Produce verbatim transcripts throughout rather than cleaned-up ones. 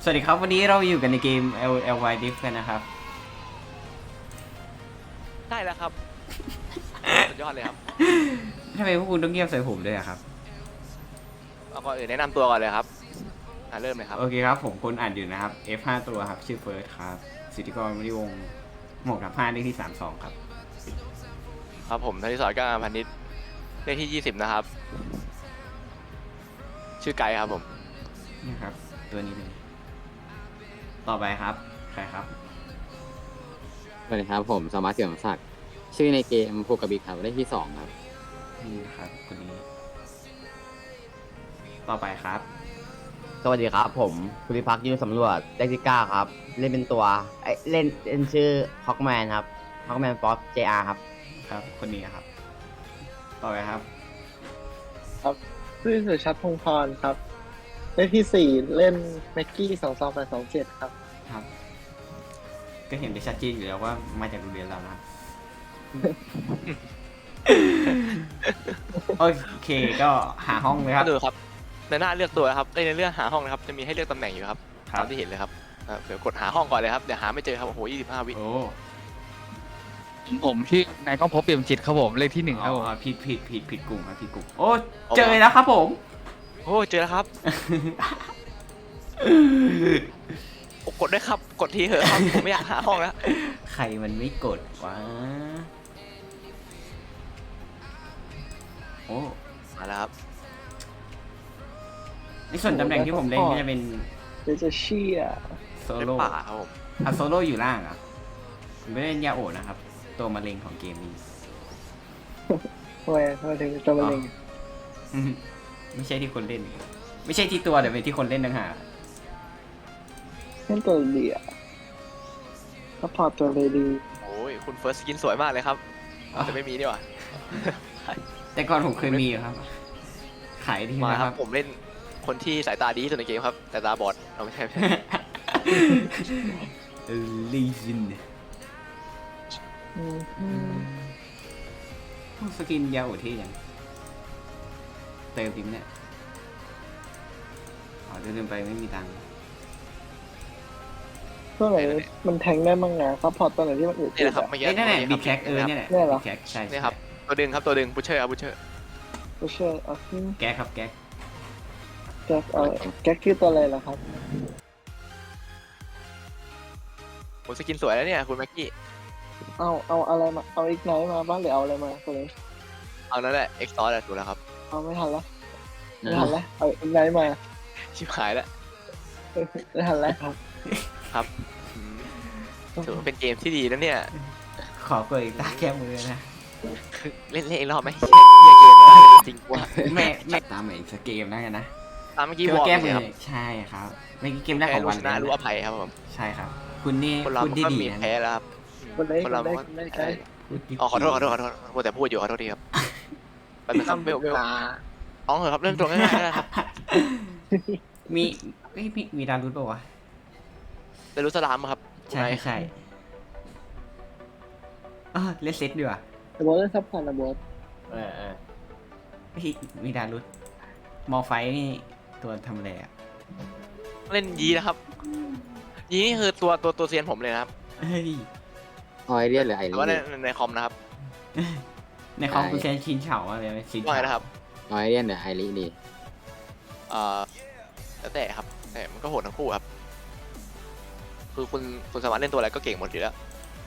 วัสดีครับวันนี้เราอยู่กันในเกม L L Y Diff กันนะครับได้แล้วครับ สุดยอดเลยครับทำไมพวกคุณต้องเงียบใส่ผมด้วยอะครับเอาก่อนอื่นแนะนำตัวก่อนเลยครับอ่าเริ่มเลยครับโอเคครับผมคนอ่านอยู่นะครับ F ห้าตัวครับชื่อเฟิร์สครับสิทธิกรมณีวงศ์หมวกกับห้าเลขที่สามสองครับครับผมธนิสรก้าวพันนิชเลขที่ยี่สิบนะครับ ชื่อไกด์ครับผมนี่ครับตัวนี้เลยต่อไปครับใครครับสวัสดีครับผมสมาร์ทเสี่ยมศักดิ์ชื่อในเกมพูกกับบิ๊กครับได้ที่สองครับนี่นะครับคนนี้ ต่อไปครับสวัสดีครับผมภูริพักษ์ยืนสำรวจได้ที่เก้าครับ เล่นเป็นตัวเอ้ยเล่นเล่นชื่อฮอกแมนครับฮอกแมนป๊อปเจอาร์ครับครับคนนี้ครับ ต่อไปครับครับชื่อสุชัดพงศ์พรครับเลขที่สี่เล่นแม็กกี้สองสองแปดสองเจ็ดครับครับ ก็เห็นได้ชัดเจนอยู่แล้วว่ามาจากโรงเรียนเรานะครับ โอเคก็หาห้องเลยครับก็ดูครับ ในหน้าเลือกตัวนะครับในเรื่องหาห้องนะครับ จะมีให้เลือกตำแหน่งอยู่ครับครับตามที่เห็นเลยครับอ่าเดี๋ยวกดหาห้องก่อนเลยครับ เดี๋ยวหาไม่เจอครับ โอ้โหยี่สิบห้าวิโอ้ผมชื่อนายก้องพบเปี่ยมจิตครับผมเลขที่หนึ่งครับผมอ๋อผิดผิดผิดผิดกลุ่มครับผิดกลุ่มโอ้เจอแล้วครับผมโอ้เจอแล้วครับโอ้กดได้วยครับ กดทีเถอะครับ ผมไม่อยากหาห้องแล้วใครมันไม่กดวะโอ้มาแล้วครับในส่วนตำแหน่งที่ผมเล่นก็จะเป็นเดี๋ยวจะเชียร์โซในโล่ป่าครับผมอ่ะโซโล่อยู่ล่างอ่ะผมไม่เล่นยาโอะนะครับ ตัวมะเร็งของเกมนี้ทำไมทำไมถึงตัวมะเร็งไม่ใช่ที่คนเล่น ไม่ใช่ที่ตัวแต่เป็นที่คนเล่นต่างหากเล่นตัวเดียวก็พอร์ตตัวเลยดีโอ้ยคุณเฟิร์สกินสวยมากเลยครับแต่ไม่มีนี่หว่าแต่ก่อนผมเคยมีอยู่ครับ ขายทีมานะคครัรับบ ผมเล่นคนที่สายตาดีที่สุดในเกมครับสายตาบอดเราไม่ใช่ไม่ใช่เออลีซินอืมอืมสกินยาโอที่ยังเติมจริงเนี่ยอ๋อจะลืมไปไม่มีตังค์ตัวไหนมันแทงได้บ้างไงซัพพอร์ตตัวไหนที่มันอึดนี่แหละครับเมื่อกี้เอ้ยนั่นแหละเมื่บิ๊อกแคกี้กเออครับเนี่ยแหละเนี่ยเหรอบิ๊กแคกใช่นี่ครับตัวดึงครับตัวดึงบูเชอร์ครับบูเชอร์บูเชอร์เอาขึ้นแก๊กครับแก๊กแก๊กเอาแก๊กคือตัวอะไรล่ะครับโอ้สกินสวยแล้วเนี่ยคุณแม็กกี้เอาเอาอะไรมาเอาอีกไนท์มาบ้างหรือเอาอะไรมาตัวนี้เอานั่นแหละเอ็กซ์ตอร์ถูกแล้วครับเอาไม่ทันละไม่ทันละเอาอีกไนท์มาชิบหายแล้วไม่ทันละครับครับอืมถือว่าเป็นเกมที่ดีนะเนี่ยขอเปิดอีกตาแก้มือนะคือเล่นเล่นอีกรอบไหมเฮียเกมจริงว่าแม่แม่ตามเหมือนสเกมนะกันนะตามเมื่อกี้ที่วอว่าร์แก้มมืเลยอครับใช่ครับเมื่อกี้เกมแรกขแพ้องรู้วันชนะเลยรู้อภัยครับผมใช่ครับ คุณนี่คนเราคุณที่ก็ดีมีนะแพ้แล้วครับคนเล่นคคน นเราเล่นก็คนเล่นเอ่ใกล้ออ๋อขอโทษขอโทษขอโทษมัวแต่พูดอยู่ขอโทษทีครับไปเป็นครับเวลเวลตาอ๋อเหรอครับเรื่องตรงง่ายๆนะครับมีเอ้ยมีมีดารุดป่าวะแต่รู้สลามครับใช่ใช่เออเลสเซตดีกว่าโบอสเล่นซัพพอร์ตนะโบอสเออเออเฮ้ยมีดารุดมอไฟนี่ตัวทำอะไรอ่ะเล่นยีนะครับ ยีนี่คือตัวตัวตัวเซียนผมเลยนะครับเฮ้ยออยเรียนหรือไอแต่รีว่าในในคอมนะครับในคอมคุณเซนชินเฉาอะไรไหมชินว่าเฉาไงนะครับออยเรียนหรือไอรีดีเอ่อแล้วแต่ครับแต่มันก็โหดทั้งคู่ครับ คือคุณคุณสามารถเล่นตัวอะไรก็เก่งหมดอยู่แล้ว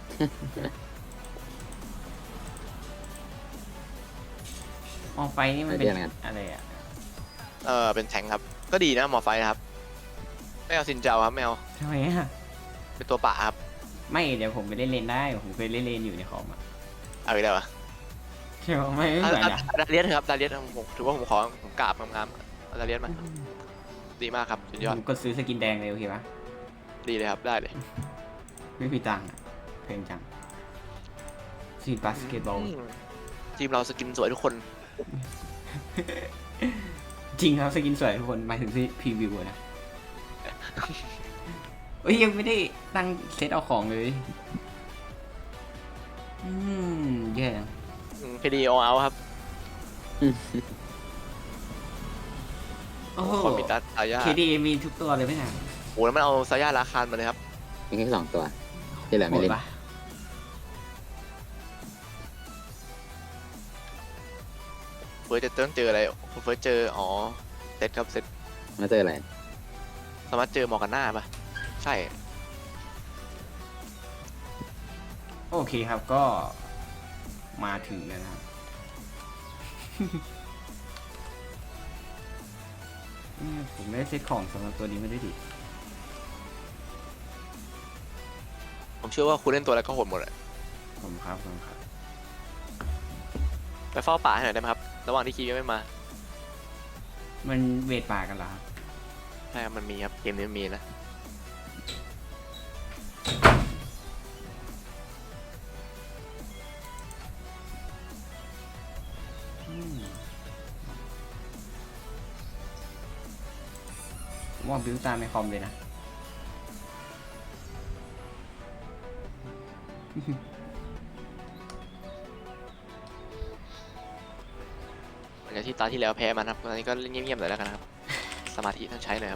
มอไฟนี่มันเป็นอะไรอ่ะเออเป็นแทงครับ ก็ดีนะหมอไฟนะครับ ไม่เอาซินเจ้าครับไม่เอาทำไมอ่ะเป็นตัวป่าครับไม่เดี๋ยวผมไปเล่นเลนได้ผมเคยเล่นเลนอยู่ในคอมอ่ะเอาอีกแล้วอะใช่ไหมไม่ไม่เอาเหมือนเอาอ่ะเอาดาเลียสครับดาเลียสผมถือว่าผมขอผมกราบงามๆเอาดาเลียสมาดีมากครับสุดยอดผมกดซื้อสกินแดงเลยโอเคปะดีเลยครับได้เลยไม่มีตังค์อ่ะเพลงจังซีบาสเกตบอลอืมทีมเราสกินสวยทุกคนจริงครับสกินสวยทุกคนหมายถึงที่พรีวิวอะนะเอ้ยยังไม่ได้ตั้งเซตเอาของเลย อืมแย่จังพีดีโอเอาครับโอ้โหคนมีตาตายาเคดีมีทุกตัวเลยไหมเนี่ยใโหแล้วมันเอาซาย่าราคานมาเลยครับมีแค่สองตัวที่เหลือโหไม่ดเล่นปะเฟิร์สจะต้องเจออะไรเฟิร์สเจออ๋อเซตครับเซตมาเจออะไรสามารถเจอมอร์กาน่าปะใช่โอเคครับก็มาถึงแล้วนะครับ เนี่ยผมไม่ได้เซตของสำหรับตัวนี้ไม่ได้ดิผมเชื่อว่าคุณเล่นตัวแล้วก็โหดหมดอะผมครับผมครับไปเฝ้าป่าให้หน่อยได้ไหมครับ ระหว่างที่คีย์ยังไม่มามันเวทป่ากันเหรอครับใช่ครับมันมีครับ เกมนี้มันมีนะอืมผมว่าบิวตามในคอมเลยนะหลังจากที่ตาที่แล้วแพ้มันครับตอนนี้ก็เล่นเงียบๆหน่อยแล้วกันนะครับ สมาธิต้องใช้หน่อยครับ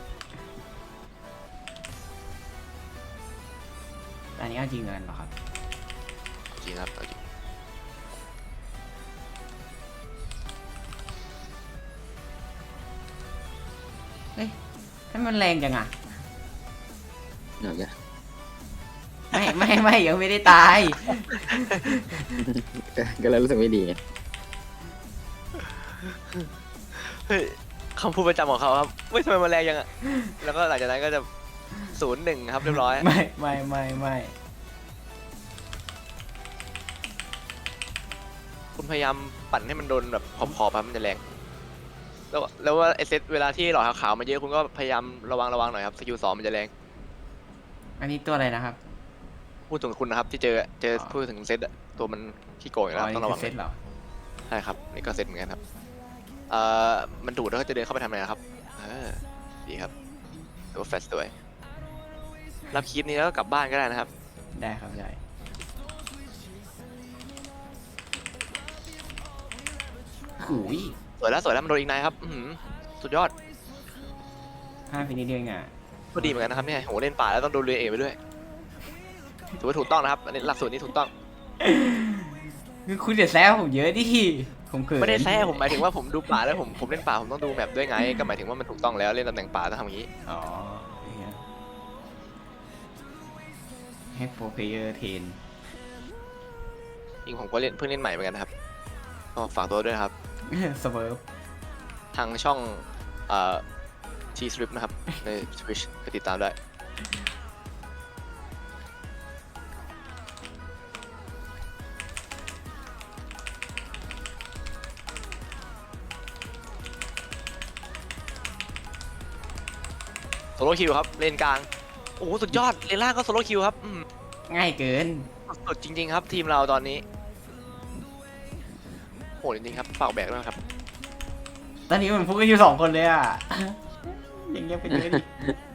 อันนี้เอาจริงเงินเหรอครับจริงครับเอาจริงเฮ้ยให้มันแรงจังอ่ะเดี๋ยวจะไม่ไม่ไม่ยังไม่ได้ตายก็ก็เลยรู้สึกไม่ดีไงเฮ้ยคำพูดประจำของเขาครับไม่ทำไมมันแรงยังอะแล้วก็หลังจากนั้นก็จะศูนย์หนึ่งครับเรียบร้อยไม่ไม่ไม่ไม่คุณพยายามปั่นให้มันโดนแบบขอบๆครับมันจะแรง แล้วแล้วว่าไอเซตเวลาที่หลอดขาวๆมาเยอะคุณก็พยายามระวังระวังหน่อยครับสกิลสองมันจะแรงอันนี้ตัวอะไรนะครับพูดถึงคุณนะครับที่เจอเจออ๋อพูดถึงเซตอะตัวมันขี้โกงอยู่แล้วอ๋อต้องนี่ระคืวัอง เซตเหรอใช่ครับนี่ก็เซตเหมือนกันครับเอ่อมันดูดแล้วก็จะเดินเข้าไปทำอะไรนะครับเออดีครับถือว่าแฟสด้วยรับคลิปนี้แล้วก็กลับบ้านก็ได้นะครับได้ครับได้หูยสวยแล้วสวยแล้วมันโดนอีกนายครับอื้อหือสุดยอดห้าฟินิชเดียวเองอ่ะก็ดีเหมือนกันนะครับเนี่ยโหเล่นป่าแล้วต้องโดนเรือเอกไปด้วยถือว่าถูกต้องนะครับอันนี้หลักสูตรนี้ถูกต้องคือคุณอย่าแซวผมเยอะดิผมเขินไม่ได้แซ่ผมหมายถึงว่าผมดูป่าแล้วผมผมเล่นป่าผมต้องดูแมปด้วยไงก็หมายถึงว่ามันถูกต้องแล้วเล่นตำแหน่งป่าต้องทำอย่างนี้อ๋ออย่างเงี้ยให้โปรเพเยอร์เทนจริงผมก็เล่นเพิ่งเล่นใหม่เหมือนกันนะครับก็ฝากตัวด้วยนะครับสเวิร์ฟทางช่องเอ่อ T-Strip นะครับ ใน Twitch ไปติดตามได้โซโล่คิวครับเลนกลางโอ้โหสุดยอดเลนล่างก็โซโล่คิวครับอืมง่ายเกินสุดจริง ๆ ครับทีมเราตอนนี้โหดจริงๆครับฝากแบกด้วยนะครับตอนนี้มันพูดกันอยู่สองคนเลยอ่ะ อย่างเงี้ยเป็นเยอะดิ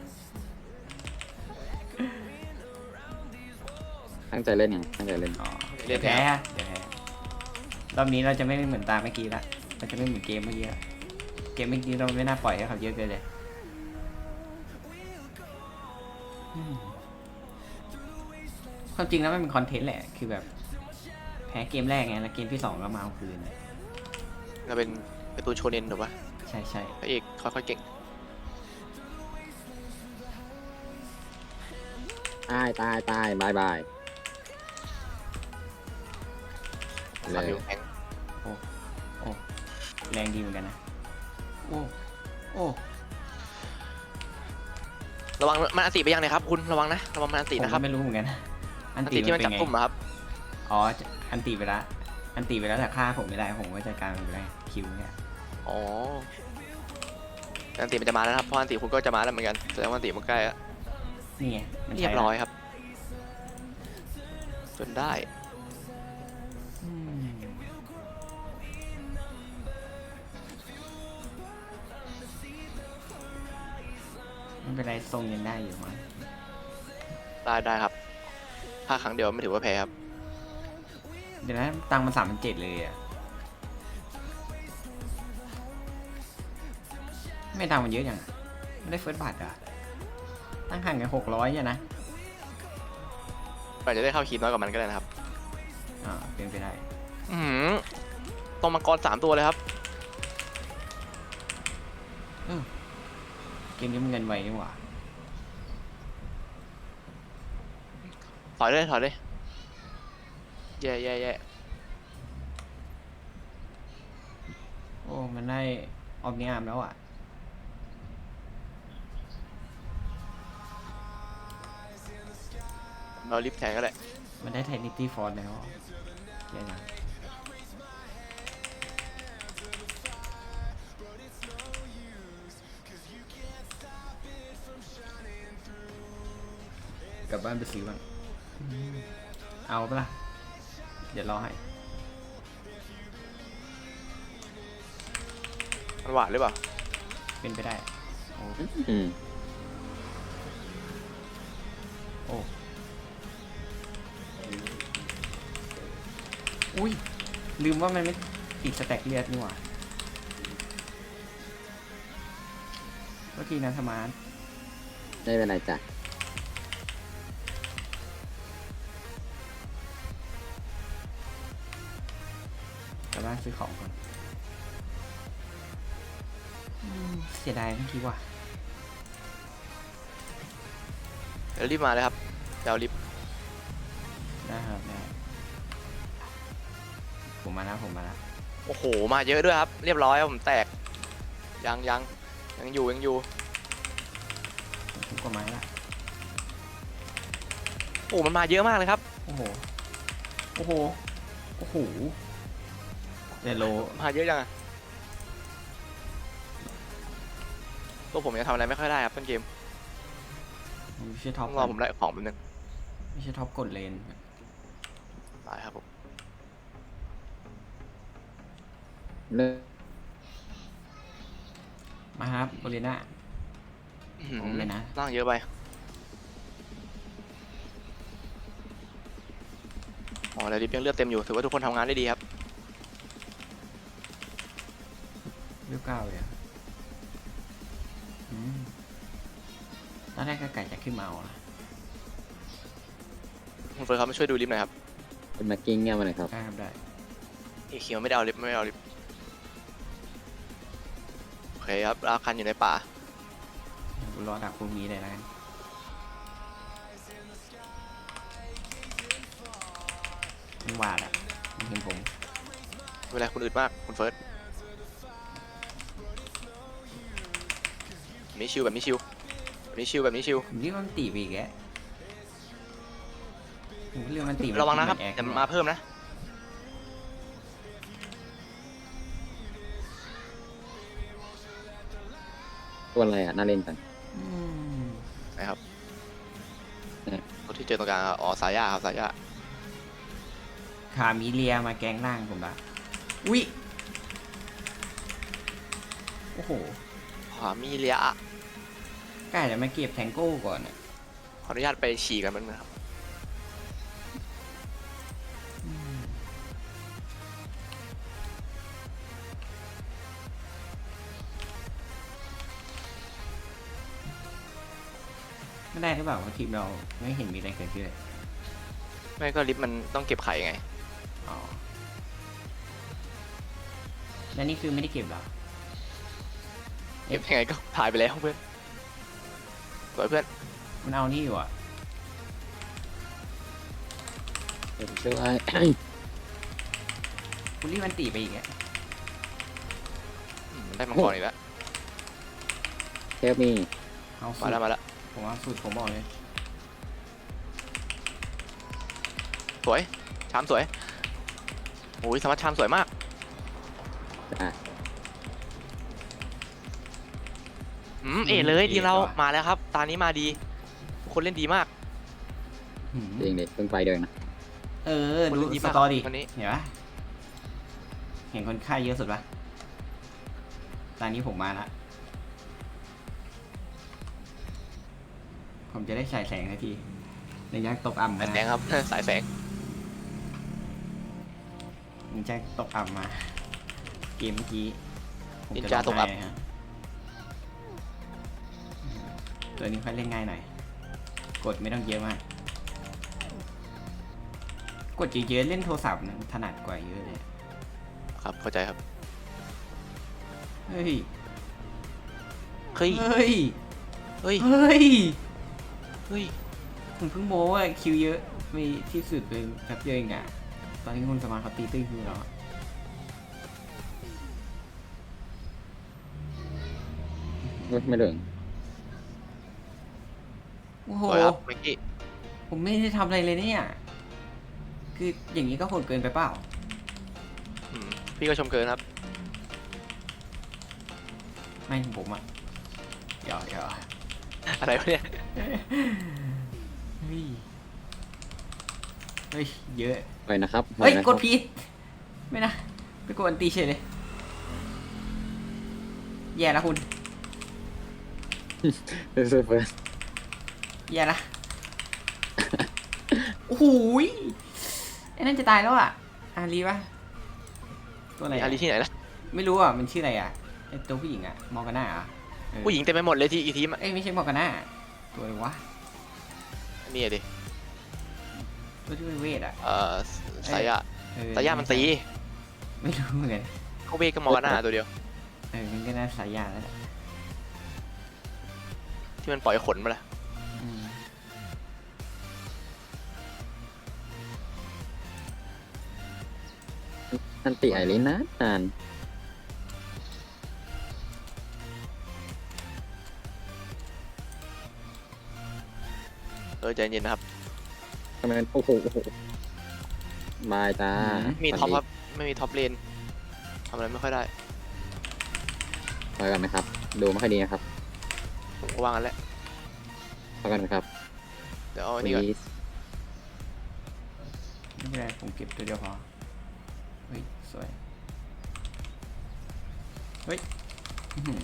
ตั้งใจเล่นไงตั้งใจเล่นอ๋อเล่เดี๋ยนวแพ้แพ้เดี๋ยวแพ้รอบนี้เราจะไม่เหมือนตาเมื่อกี้ละเราจะไม่เหมือนเกมเมื่อกี้ละเกมเมื่อกี้เราไม่น่าปล่อยให้เขาเยอะเกินเลยอืมความจริงแล้วมันเป็นคอนเทนต์แหละ คือแบบ แพ้เกมแรกไง แล้วเกมที่สองก็มาเอาคืนเราเป็นการ์ตูนโชเนนถูกปะใช่ใช่พระเอกค่อยๆเก่งตายตายตายบายบาย เลสามยนิ้วแข็งโอ้แรงดีเหมือนกันนะ โอ้ โอ้ระวังมันอันติไปยังเนี่ยครับคุณระวังนะระวังมันอันติผมนะครับก็ไม่รู้เหมือนกัน อัอันนตีติที่มัมัน นเป็จันบไงกลุ่มอะครับอ๋อ อันตีไปละอันตีไปแล้วแต่ฆ่าผมไม่ได้ ผมก็จัดการมันไปได้คิวเนี่ยอ๋ออันติมันจะมาแล้วนะครับเพราะอันติคุณก็จะมาแล้วเหมือนกันแสดงว่าอันติมันใกล้แล้วนี่ไงมันเรีใช้ยบละร้อยครับจนได้อืมไม่เป็นไรทรงยังได้อยู่มั้งได้ได้ครับถ้าครั้งเดียวไม่ถือว่าแพ้ครับเดี๋ยวนะตังค์มันสามพันเจ็ดเลยอ่ะ ไม่ตังค์มันเยอะอย่างอะไม่ได้เฟิร์สบัตรอ่ะตั้งห่างกันหกร้อยเนี่ยนะอาจจะได้เข้าคีน้อยกว่ามันก็ได้นะครับอ่าเป็นไปได้อือหือตรงมังกรสามตัวเลยครับเกมนี้มันเงินไวนี่หว่าถอยเลยถอยเลยแย่แย่แย่โอ้มันได้ออมนิอาร์มแล้วอ่ะเราลิฟต์แทนก็ได้มันได้ไทนิตี้ฟอร์แล้วเดี๋ยวนะกลับบ้านไปซื้อบ้างเอาปะล่ะ เดี๋ยวรอให้มันหวานหรือเปล่าเป็นไปได้ โอ้อืมโอ้ อุ้ย ลืมว่ามันไม่ติดสแต็กเลือดนี่หว่าเมื่อกี้นะสมาร์ทได้เป็นไรจ้ะกลับบ้านซื้อของก่อนอืมเสียดายเมื่อกี้ว่ะเดี๋ยวรีบมาเลยครับเดี๋ยวรีบได้ครับได้ผมมาแล้วผมมาแล้วโอ้โหมาเยอะด้วยครับ เรียบร้อยครับผมแตกยังยังยังอยู่ยังอยู่ผมทุกกว่าไม้ละโอ้มันมาเยอะมากเลยครับโอ้โห โอ้โห โอ้โหเดโลมาเยอะจังอะตัวผมยังทำอะไรไม่ค่อยได้ครับต้นเกมไม่ใช่ท็อต้ปองรอผมได้ของแป๊บนึงไม่ใช่ท็อปกดเลนได้ครับผมเลิกมาครับโบเลน่าอื้อหือผมเลยนะร่างเยอะไปอ๋อแล้วดิฟยังเลือดเต็มอยู่ถือว่าทุกคนทำงานได้ดีครับเรียบเก้าเลยอะอืมตอนแรกก็ไก่จะขึ้นมาเอาอะคุณเฟิร์สครับมาช่วยดูลิฟต์หน่อยครับเป็นมากิ้งเงี้ยมาหน่อยครับได้ครับได้อีคิวไม่ได้เอาลิฟต์ไม่ได้เอาลิฟต์โอเคครับอาคันอยู่ในป่ากูรอดักพรุ่งนี้เลยนะกันมันหวาดอะมันเห็นผมเวลาคุณอึดมากคุณเฟิร์สแบบนี้ชิวแบบนี้ชิวแบบนี้ชิวแบบนี้ชิวผมนี่มันตีไปอีกแกผมก็เรื่องมันตีมัระวังนะครับแอกเดี๋ยวมันมาเพิ่มนะตัวอะไรอ่ะ น่าเล่นจังอืมนะครับเออตัวที่เจอตรงกลางอ๋อสายยาครับสายยาขามีเลียมาแกงล่างผมละอุ้ย โอ้โหขวามีเลียอะกล้าจะมาเก็บแทงโก้ก่อนอะขออนุญาตไปฉี่กันแป๊บนึงครับอืมไม่ได้หรือเปล่าว่าทีมเราไม่เห็นมีอะไรเกิดขึ้นเลยไม่ก็ลิฟต์มันต้องเก็บไข่ไงอ๋อ แล้วนี่คือไม่ได้เก็บเหรอเก็บยังไงก็ถ่ายไปแล้วเพื่อนสวยเพื่อนมันเอานี่อยู่อ่ะเดี๋ยวช่วยคุณรีบมันตีไปอีกอ่ะอืมมันได้มังกรอีกแล้วเทปมีเอาสุมาดแล้วมาแล้วผมเอาสุดผมบอกเลยสวยชามสวยโอ้ยสมัครชามสวยมากอ่ะอืมเอเลยทีมเรามาแล้วครับ ตานี้มาดีทุกคนเล่นดีมากหืมเองเด็กเพิ่งไปเดินนะเออคนดูเล่นดีสมากตอรี่วันนี้เห็นปะเห็นคนไข้เยอะสุดปะตอนนี้ผมมาละ ผมจะได้ฉายแสงสักทีในยักษ์ตกอ่ำสามายแสงครับ สายแสงนินจาตกอ่ำมา เกมเมื่อกี้ผมนินจาตกอัพร้งไห้ฮะตัวนี้ค่อยเล่นง่ายหน่อยกดไม่ต้องเยอะมาก กดเยอะๆเล่นโทรศัพท์นะถนัดกว่าเยอะเลยครับเข้าใจครับเฮ้ยเฮ้ยเฮ้ยเฮ้ยเฮ้ยเฮ้ยผมเพิ่งโม้ว่าคิวเยอะมีที่สุดเป็นแป๊บเดียวเองอะตอนนี้คุณสมาร์ทเขาตีตื้นคิวแล้วอะไม่เหลืองโอ้โหสวยครับเมื่อกี้ผมไม่ได้ทำอะไรเลยเนี่ย คืออย่างนี้ก็โหดเกินไปเปล่าอืมพี่ก็ชมเกินครับไม่ผมอะหยอกหยอกอะไรวะเนี่ยเฮ้ย เฮ้ย เยอะไปนะครับเฮ้ยไปนะกครับดผิดไม่นะ ไปกดอันตีเฉยเลย แย่แล้วคุณเฟิร์สเฟิร์สแย่ละ โอ้โหยไอ้นั่นจะตายแล้วอ่ะ อารีปะตัวอะไรมีอะอารีที่ไหนล่ะไม่รู้อ่ะ มันชื่ออะไรอ่ะไอ้ตัวผู้หญิงอ่ะ มอร์กาน่าอ่ะเออผู้หญิงเต็มไปหมดเลยที่อีทีมอะเอ้ยไม่ใช่มอร์กาน่า ตัวอะไรวะอันนี่ดิตัวที่เป็นเวทอ่ะเอ่อสายะเออสายะมันตีไม่รู้เหมือนกันเขาเวกก็มองกันหน้าตัวเดียวเออมันก็น่าสายยาแล้วแหละที่มันปล่อยขนมาละอืมอันติไอรินนะนานเออใจเย็นนะครับทำไมมันโอ้โหโอ้โหบายจ้ามีท็อปครับ ไม่มีท็อปเลนทำอะไรไม่ค่อยได้พอกันไหมครับ ดูไม่ค่อยดีนะครับผมก็ว่างั้นแหละพอกันไหมครับเดี๋ยวเอาอันนี้ก่อน please ไม่เป็นไรผมเก็บตัวเดียวพอ เฮ้ย สวย เฮ้ยอื้อหือ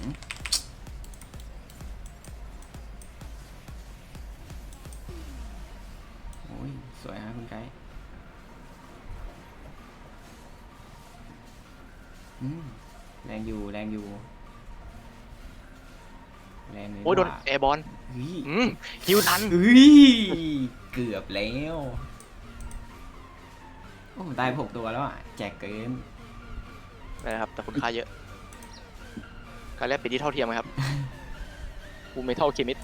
โอ้ย สวยฮะคุณไกด์อืมแรงอยู่ แรงอยู่ แรงเลยโอ้ยโดนว่าแอร์บอลเฮ้ยอืมฮิวทันเฮ้ย เกือบแล้ว โอ้ผมตายหกตัวแล้วอ่ะ แจกเกินนะครับ แต่คุณค่าเยอะ การแลกเปลี่ยนที่เท่าเทียมครับฟูเมทัลเคมิส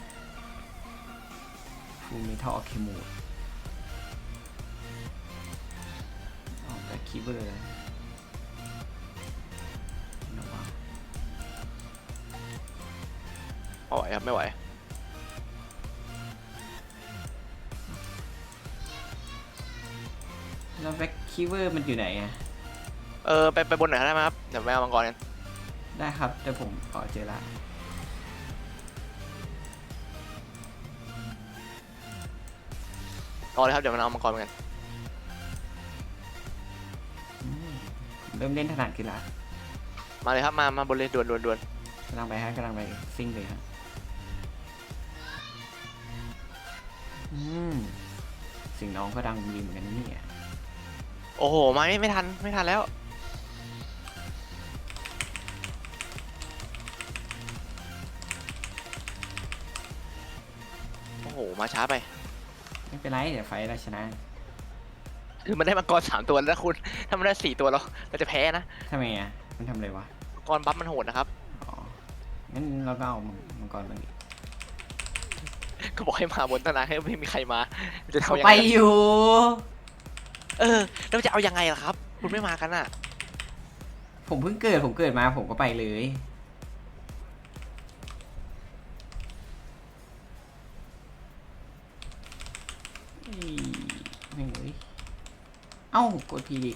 ฟูมิทอเคมูดออกแต่คีย์เบอร์เลยนะวะไม่ไหวครับไม่ไหวแล้วแบ็คคีย์เบอร์มันอยู่ไหนอ่ะเออไปไปบนไหนอยได้ไหมครับ เดี๋ยวไปเอามังกรกันได้ครับ แต่ผมขอเจอละรอเลยครับ เดี๋ยวมันเอามังกรกันอืมเริ่มเล่นถนัดขึ้นละมาเลยครับ มา มาบนเลยด่วนด่วนด่วนกำลังไปฮะกำลังไปซิ่งเลยครับอืมเสิ่งน้องก็ดังดีเหมือนกันนะเนี่ยโอ้โห มาไม่ไม่ทัน ไม่ทันแล้ว โอ้โห มาช้าไปไม่เป็นไรเดี๋ยวไฟเราชนะคือมันได้มังกรสามตัวแล้วนะคุณ ถ้ามันได้สี่ตัวเราเราจะแพ้นะทำไมอ่ะ มันทำอะไรวะมังกรบัฟมันโหดนะครับอ๋อ งั้นเราก็เอามังกรมาดิก็บอกให้มาบนตั้งนานให้ไม่มีใครมา จะทำยังไปไงอยู่เออ แล้วจะเอายังไงล่ะครับ คุณไม่มากันอ่ะผมเพิ่งเกิด ผมเกิดมาผมก็ไปเลยเฮ้ยไม่เว้ยเอ้ากดพีดิ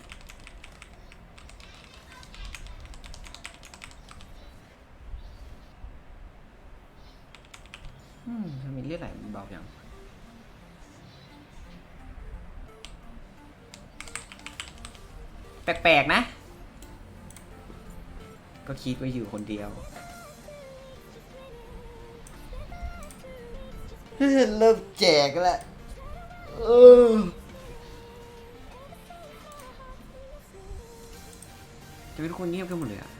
อืมทำไมเลือดไหลมันเบาจังแปลกๆนะ ก็คิดว่าอยู่คนเดียว เริ่มแจกแล้วเออจะเป็นคนเงียบกันหมดเลยอะ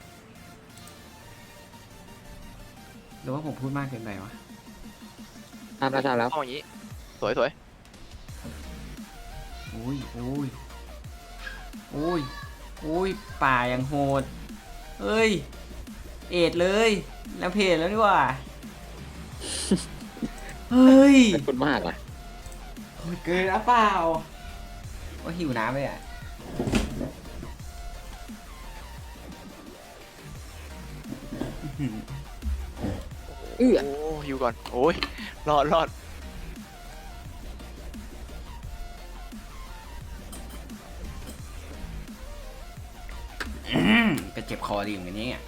หรือว่าผมพูดมากเกินไปวะทำแล้วทำแล้วเข้าอย่างนี้ สวยสวยอุ้ยอุ้ยอุ้ยอุ้ยป่ายังโหดเฮ้ย เอ็ดเลย แล้วเพจแล้วดีกว่า เฮ้ยขอบคุณมากอ่ะโหดเกินอ่ะเปล่าว่าหิวน้ำเลยอ่ะเอื้อโอ้ฮิวก่อน โอ้ย รอดรอดอืมก็เจ็บคอดีเหมือนกันเนี่ย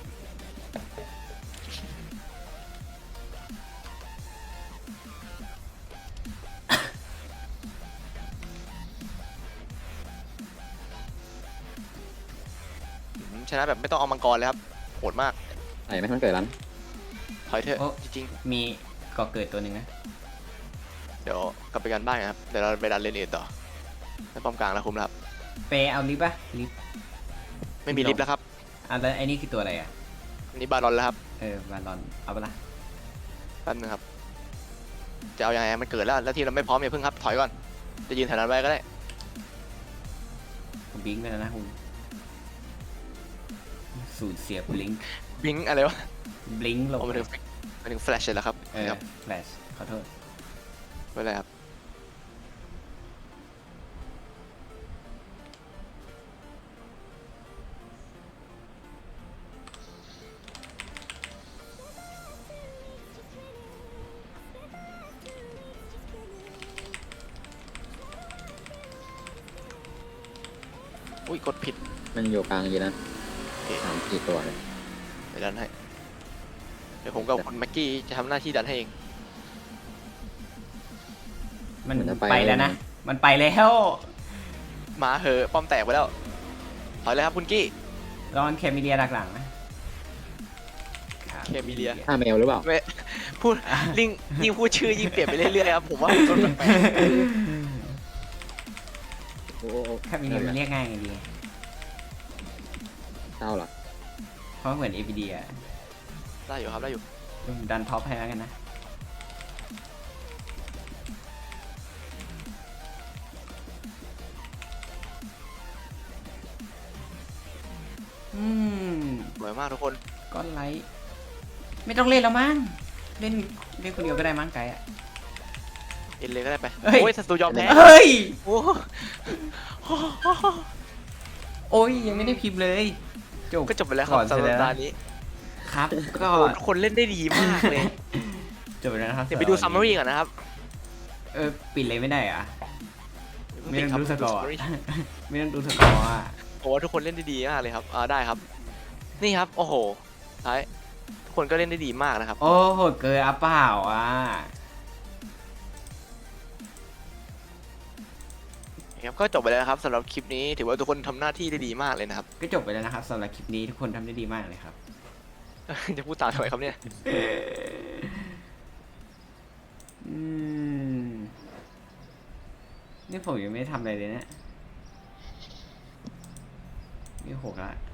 อืมชนะแบบไม่ต้องเอามังกรเลยครับ โหดมากไหนไหมมันเกิดร้านถอยเถอะโอ้จริงมีก่อเกิดตัวหนึ่งนะๆ เดี๋ยวกลับไปกันบ้านกันครับ เดี๋ยวเราไปดันเลนเอ็ดต่อในป้อมกลางแล้วคุ้มแล้วครับเปเอาลิฟต์ปะลิฟต์ไม่มีลิฟต์แล้วครับอ่ะแล้วไอ้นี่คือตัวอะไรอ่ะอันนี้บารอนแล้วครับเออบาลอน เอาไปะละแป๊บนึงครับ จะเอายังไงมันเกิดแล้ว แล้วทีมเราไม่พร้อมอย่าเพิ่งครับ ถอยก่อน จะยืนแถวนั้นไว้ก็ได้ผมบิงก์ไปแล้วนะคุณสูตรเสียบลิงก์บิงค์อะไรวะบลิงก์ลงเอามาถึงมาถึงแฟลชเลยแล้วครับเออครับแฟลชขอโทษไม่เป็นไรครับ อุ้ยกดผิดมันอยู่กลางอยู่นะโอเคสามสี่ตัวเลยเดี๋ยวดันให้ เดี๋ยวผมกับคุณแม็กกี้จะทำหน้าที่ดันให้เองมันเหมือนจะไปไปแล้วนะ มันไปแล้วมาเหอะป้อมแตกไปแล้ว ถอยเลยครับคุณกี้รอนแคมิเลียดักหลังนะเคมิเลียฆ่าแมวหรือเปล่าไม่พูดลิงยิ่งพูดชื่อยิ่งเปลี่ยนไปเรื่อยๆครับ ผมว่าผมโดนแปลกโอ้โอ้โอ้แคมิเลียมันเรียกง่ายไงดีเศร้าเหรอเพราะเหมือนเอพีดีอะๆได้อยู่ครับ ได้อยู่ผมดันท็อปให้แล้วกันนะ อืมสวยมากทุกคนก้อนไลท์ไม่ต้องเล่นแล้วมั้ง เล่นเล่นคนเดียวก็ได้มั้งไกด์อะเอ็นเลยก็ได้ไปเฮ้ยโอ้ยศัตรูยอมแพ้เฮ้ยโอ้โอ้ยยังไม่ได้พิมพ์เลยจบก็จบไปแล้วครับก่อนสำหเสร็รับจแล้วตานี้ครับ ก็โอ้ทุกคนเล่นได้ดีมากเลยจบไปแล้วนะครับเดี๋ยวไปดูซัมมารีก่อนนะครับเออปิดเลยไม่ได้เหรอะไม่ปิต้องครับดูสกอร์ summary ไม่ต้องดูสกอร์อะโอ้ทุกคนเล่นได้ดีมากเลยครับอ่าได้ครับ นี่ครับ โอ้โหท้ายทุกคนก็เล่นได้ดีมากนะครับโอ้โหเกินอ่ะเปล่าอ่ะครับก็จบไปแล้วนะครับสำหรับคลิปนี้ถือว่าทุกคนทำหน้าที่ได้ดีมากเลยนะครับก็จบไปแล้วนะครับสำหรับคลิปนี้ทุกคนทำได้ดีมากเลยครับจะพูดตามทำไมครับเนี่ยอืมนี่ผมยังไม่ได้ทำอะไรเลยเนะนี่หกละ